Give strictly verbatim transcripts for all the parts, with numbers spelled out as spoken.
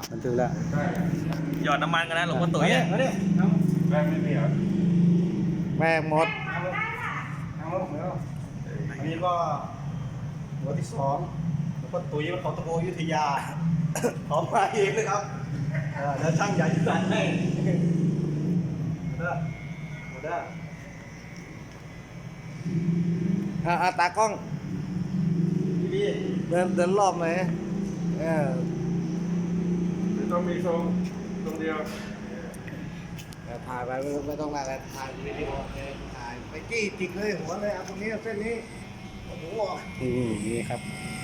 บันทึกแล้วหยอดน้ำมันกันนะหลวงพ่อตุ๋ยอ่ะมาดิแรงไม่มีเหรอแรงหมดอันนี้ก็หัวที่สองหลวงพ่อตุ๋ยมันเขาตะโกอยุธยาขอมาเองเลยครับแล้วช่างใหญ่ที่สั่งให้เด้อเด้ออ่าตากล้องพี่เดินเดินรอบไหมเออต้องมีทรงทรงเดียวถ่ายไปไม่ต้องอะไรถ่ายวิดีโอเลยถ่ายไปจี้จิกเลยหัวเลยเอาตรงนี้เส้นนี้โอ้โหนี่นี่ครับ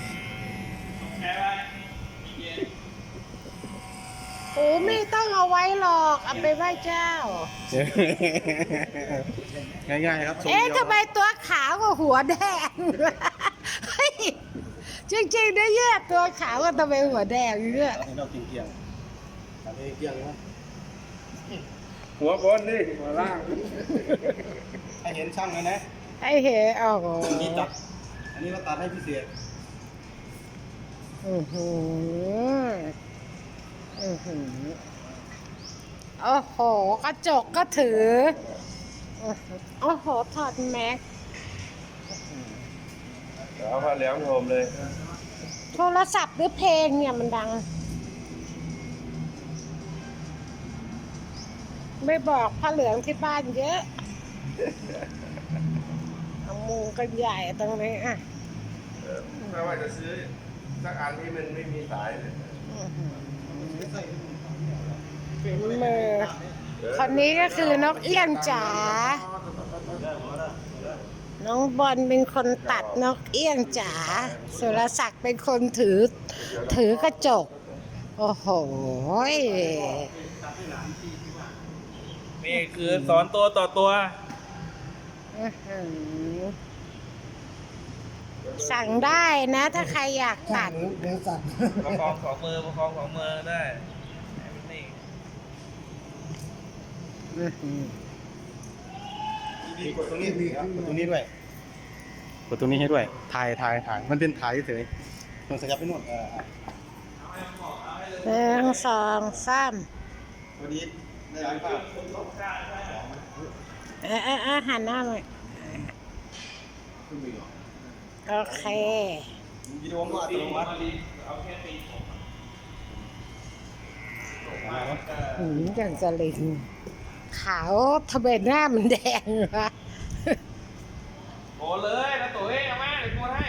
โอ้ไม่ต้องเอาไว้หรอกเอาไปไหว้เจ้าง่ายๆครับเอ๊ะทำไมตัวขาวกับหัวแดงเฮ้ยจริงๆนะเนี่ยตัวขาวกับทำไมหัวแดงเนี่ยให้เรากินเกียงทำให้เกียงนะหัวบนนี่หัวล่างให้เห็นช่างเลยนะไอ้เหรอโอ้โหอันนี้ตัดอันนี้เราตัดให้พิเศษอือหืออือหือโอ้โหกระจกก็ถือโอ้โหถอดแม็กเอาผ้าเหลืองโฮมเลยโทรศัพท์หรือเพลงเนี่ยมันดัง ไม่บอกผ้าเหลืองที่บ้านเยอะเอามุงกันใหญ่ตรงนี้อ่ะถ้าว่าจะซื้อสักอันที่มันไม่มีสายเลยฝีมือคนนี้ก็คือนกเอี้ยงจ๋า น้องบอลเป็นคนตัดนกเอี้ยงจ๋า สุรศักดิ์เป็นคนถือถือกระจก โอ้โหนี่คือสอนตัวต่อตัวอื้อหือสั่งได้นะถ้าใครอยากตัดเนื้อสัตว์ประคองสองมือประคองสองมือได้ให้มันนี่มีกดตรงนี้มีกดตรงนี้ด้วยกดตรงนี้ให้ด้วยถ่ายถ่ายถ่ายมันเป็นถ่ายเฉยๆต้องสยับไปนู่นเออหนึ่งสองสามพอดีได้ไหมป้าเออเออเออหันหน้ามาโอเควิดีโอก็อัตโนมัติหืมอย่างสลิงขาวทำไมหน้ามันแดงวะโกนเลยนะตุ๋ยเอามาเดี๋ยวโกนให้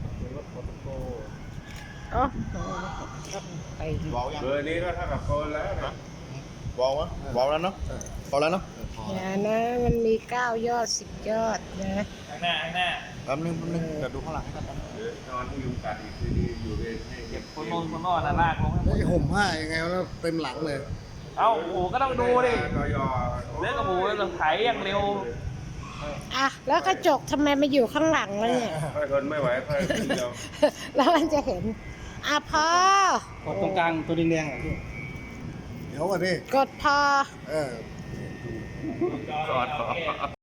โอ้ไปบอกยังเบอร์นี้ก็เท่ากับโกนแล้วนะบอกวะบอกแล้วเนาะบอกแล้วเนาะอย่านะมันมีเก้ายอดสิบยอดนะข้างหน้าข้างหน้าแป๊บนึงแป๊บนึงเดี๋ยวดูข้างหลังให้กันเดี๋ยวนอนยุงกัดอีกทีนี้อยู่เวรให้เก็บคนโน้นคนนอนน่ะลากลงให้หมแล้วดจะห่มผ้ายังไงแล้วเต็มหลังเลยเอ้าโอ้โหก็ต้องดูดิกยอเรื่องกับหมูเราไถอย่างเร็วอ่ะแล้วกระจกทำไมมาอยู่ข้างหลังแล้วเนี่ยค่อยทนไม่ไหวค่อยเดียวแล้วมันจะเห็นอ่ะพอกดตรงกลางตัวแดงๆอ่ะพี่เดี๋ยวก่อนดิกดพอเออจอด